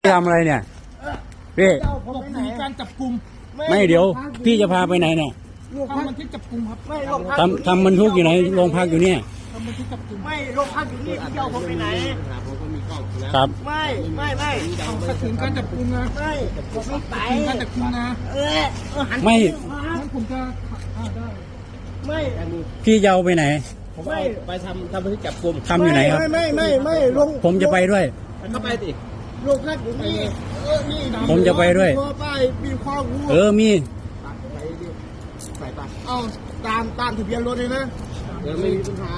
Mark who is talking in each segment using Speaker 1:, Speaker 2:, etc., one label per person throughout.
Speaker 1: ทำอะไรเนี่ยพี่
Speaker 2: ตกในการจับกลุ่ม
Speaker 1: ไม่เดี๋ยวพี่จะพาไปไหนเนี่ย
Speaker 2: ทำบันทึกจับกลุ่มครับไม่
Speaker 1: ทำบันทึกอยู่ไหนโรงพักอยู่เนี่ย
Speaker 2: ทำบันทึกจับกลุ่มไม่โรงพักอยู่นี่พี่เจ้าผมไปไหน
Speaker 1: ครับ
Speaker 2: ไม่ขัดขืนการจับกลุ่มนะไม่ผมไม่ไปการจับกลุ่มนะ
Speaker 1: ไม่
Speaker 2: งั้นผมจะได้ไม่
Speaker 1: พี่จะเอาไปไหน
Speaker 3: ผมไปทำบันทึกจับกลุ่ม
Speaker 1: ทำอยู่ไหนครับ
Speaker 2: ไม่ลง
Speaker 1: ผมจะไปด้วย
Speaker 3: เข้าไปสิ
Speaker 2: โรงพักอยู่นี่นี่
Speaker 1: ผมจะไปด้วย
Speaker 2: มีข้องู
Speaker 1: มี
Speaker 3: ไป
Speaker 2: เอาตามทะเบียนรถเลยนะ
Speaker 3: ไม่มีปัญหา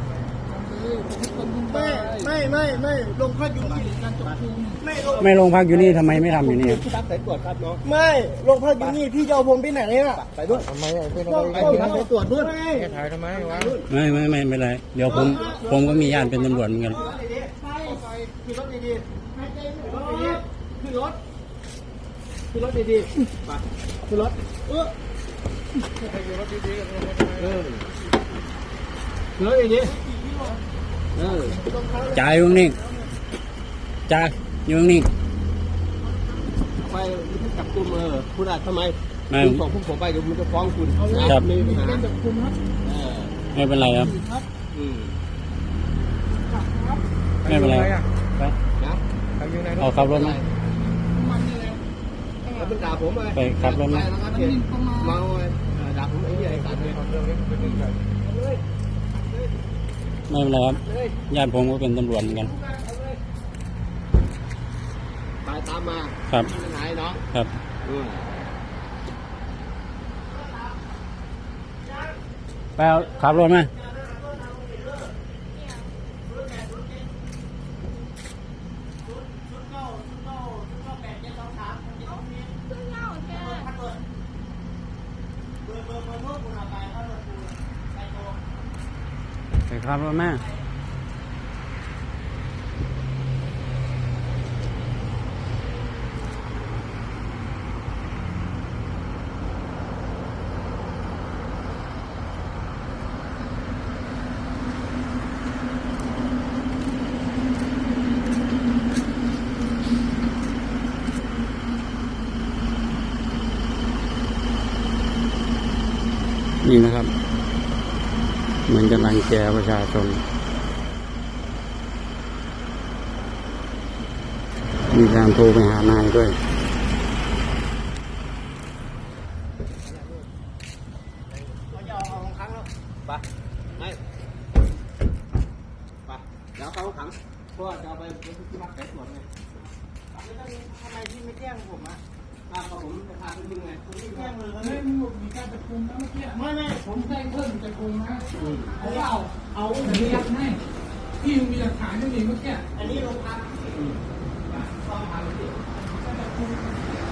Speaker 2: ไม่ลงพักอยู่นี่
Speaker 1: ไม่ลงพักอยู่นี่ทำไมไม่ทำอยู่นี่
Speaker 3: พี่ตั๊กสายตรวจครับน้อง
Speaker 2: ไม่ลงพักอยู่นี่พี่จะเอาผมไปไหนเนี่ย
Speaker 3: ไปด้วยทำไมไปตรวจด้วยถ่ายทำไมวะ
Speaker 1: ไม่ไรเดี๋ยวผมก็มีญาติเป็นตำรวจเหมือนกัน
Speaker 2: ขึ้นรถดีๆขึ้นรถดีๆไปขึ้นรถขึ้นรถดีๆ
Speaker 1: จ่ายอยู่นี่จ่ายอยู่นี่
Speaker 3: ไปจับกลุ่มคุณอาจทำไมส่งผมไปเดี๋ยวมันจะฟ้องคุณ
Speaker 1: ครับ
Speaker 2: ไม่มีปัญหาจับกลุ่มครับ
Speaker 1: ไม่เป็นไรครับไม่เป็นไรเอาขับรถมา
Speaker 3: แล้วมันด่าผม
Speaker 1: ไปขับรถมา
Speaker 3: เมาด่าผมไอ้เนี่ยไอ้สัตว์เนี่ย
Speaker 1: ไม่เป็นไรครับญาติผมก็เป็นตำรวจเหมือนกัน
Speaker 3: ตามมา
Speaker 1: ครับ
Speaker 3: ไหนเนาะ
Speaker 1: ครับไปเอาขับรถมาไปขับรถมานี่นะครับเหมือนจะรังแกประชาชนมีการโทรไปหานายด้วย
Speaker 3: ไปแล้วเขาขังเพราะว่าจะเอาไปที่พักสายตรวจไง
Speaker 2: ทำไมพี่ไม่แจ้งผมอ่ะ
Speaker 3: ผมจะพาไปดูไง
Speaker 2: ผมไม่แจ้งเลยมีการจับกลุ่มนะเมื่อกี้ไม่ผมแจ้งเพิ่มจับกลุ่มนะเอาสัญญาให้พี่มีหลักฐานไม่มีเมื่อกี้อันนี้โรงพักต้องทำจับกลุ่ม